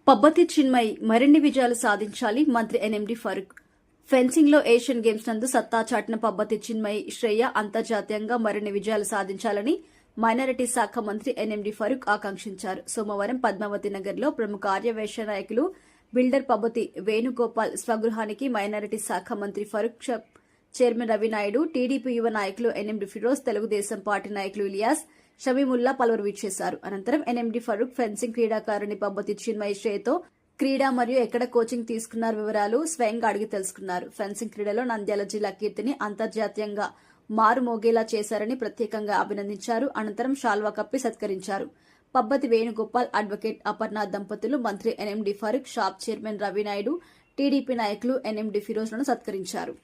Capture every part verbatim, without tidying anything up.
పబ్బతి చిన్మయి మరిన్ని విజయాలు సాధించాలి. మంత్రి ఎన్ఎండి ఫరూక్ ఫెన్సింగ్ లో ఏషియన్ గేమ్స్ నందు సత్తా చాటిన పబ్బతి చిన్మయి శ్రేయ అంతర్జాతీయంగా మరిన్ని విజయాలు సాధించాలని మైనారిటీ శాఖ మంత్రి ఎన్ఎండి ఫరూక్ ఆకాంక్షించారు. సోమవారం పద్మావతి నగర్ లో ప్రముఖ ఆర్యవైశ్య నాయకులు బిల్డర్ పబ్బతి వేణుగోపాల్ స్వగృహానికి మైనారిటీ శాఖ మంత్రి ఫరూక్ చైర్మన్ రవినాయుడు, టీడీపీ యువ నాయకులు ఎన్ఎండి ఫిరోజ్, తెలుగుదేశం పార్టీ నాయకులు ఇలియాస్, షమీముల్లా పలువురు విచ్చేశారు. అనంతరం ఎన్ఎండి ఫరూక్ ఫెన్సింగ్ క్రీడాకారుని పబ్బతి చిన్మయి శ్రేయతో క్రీడా మరియు ఎక్కడ కోచింగ్ తీసుకున్నారు వివరాలు స్వయంగా అడిగి తెలుసుకున్నారు. ఫెన్సింగ్ క్రీడలో నంద్యాల జిల్లా కీర్తిని అంతర్జాతీయంగా మారుమోగేలా చేశారని ప్రత్యేకంగా అభినందించారు. అనంతరం షాల్వా కప్పి సత్కరించారు. పబ్బతి వేణుగోపాల్, అడ్వకేట్ అపర్ణ దంపతులు మంత్రి ఎన్ఎండి ఫరూక్, షాప్ చైర్మన్ రవినాయుడు, టీడీపీ నాయకులు ఎన్ఎండి ఫిరోజ్లను సత్కరించారు.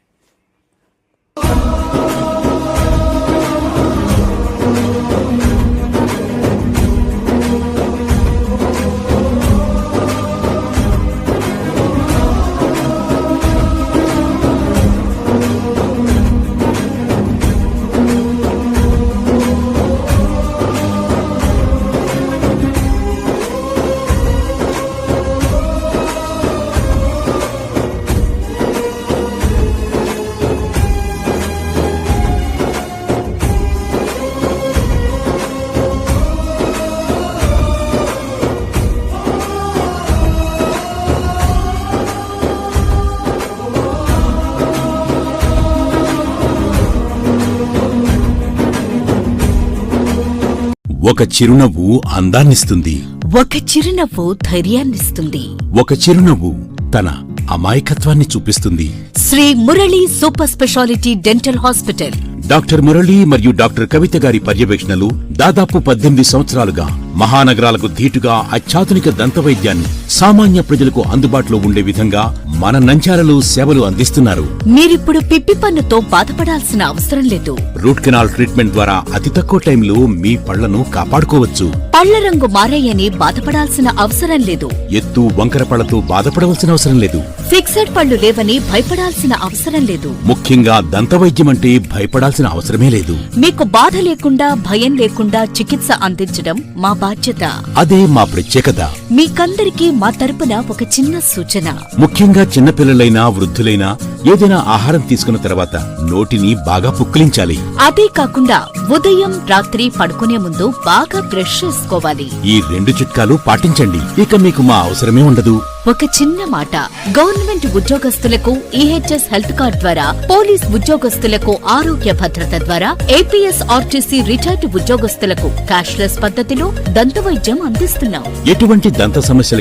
ఒక చిరునవ్వు అందాన్నిస్తుంది. ఒక చిరునవ్వు ధైర్యాన్నిస్తుంది. ఒక చిరునవ్వు తన అమాయకత్వాన్ని చూపిస్తుంది. Sri Murali super speciality dental hospital. Doctor Murali మరియు డాక్టర్ కవిత గారి పర్యవేక్షణలు దాదాపు పద్దెనిమిది సంవత్సరాలుగా మహానగరాలకు ధీటుగా అత్యాధునిక దంతవైద్యాన్ని సామాన్య ప్రజలకు అందుబాటులో ఉండే విధంగా మన నంద్యాలలో సేవలు అందిస్తున్నారు. మీరిప్పుడు పిప్పి పన్నుతో బాధపడాల్సిన అవసరం లేదు. రూట్ కెనాల్ ట్రీట్మెంట్ ద్వారా అతి తక్కువ టైంలో మీ పళ్లను కాపాడుకోవచ్చు. పళ్ల రంగు మారాయని బాధపడాల్సిన అవసరం లేదు. ఎత్తు వంకర పళ్లతో బాధపడవలసిన అవసరం లేదు. ఫిక్సెడ్ పళ్లు లేవని భయపడాల్సిన అవసరం లేదు. ముఖ్యంగా దంతవైద్యం అంటే భయపడాల్సిన అవసరమే లేదు. మీకు బాధ లేకుండా భయం లేకుండా చికిత్స అందించడం మా బాధ్యత. అదే మా ప్రత్యేకత. మీకందరికీ మా తరపున ఒక చిన్న సూచన. ముఖ్యంగా చిన్నపిల్లలైనా వృద్ధులైనా ఏదైనా ఆహారం తీసుకున్న తర్వాత నోటిని బాగా పుక్కిలించాలి. అదే కాకుండా ఉదయం రాత్రి పడుకునే ముందు బాగా బ్రష్ చేసుకోవాలి. ఈ రెండు చిట్కాలు పాటించండి, ఇక మీకు మా అవసరమే ఉండదు. ఒక చిన్న మాట, గవర్నమెంట్ ఉద్యోగస్తులకు ఈహెచ్ఎస్ హెల్త్ కార్డ్ ద్వారా, పోలీస్ ఉద్యోగస్తులకు ఆరోగ్య భద్రత ద్వారా, ఏపీఎస్ ఆర్టీసీ రిటైర్డ్ ఉద్యోగస్తులకు క్యాష్లెస్ పద్ధతిలో దంతవైద్యం అందిస్తున్నాం. ఎటువంటి దంత సమస్యలు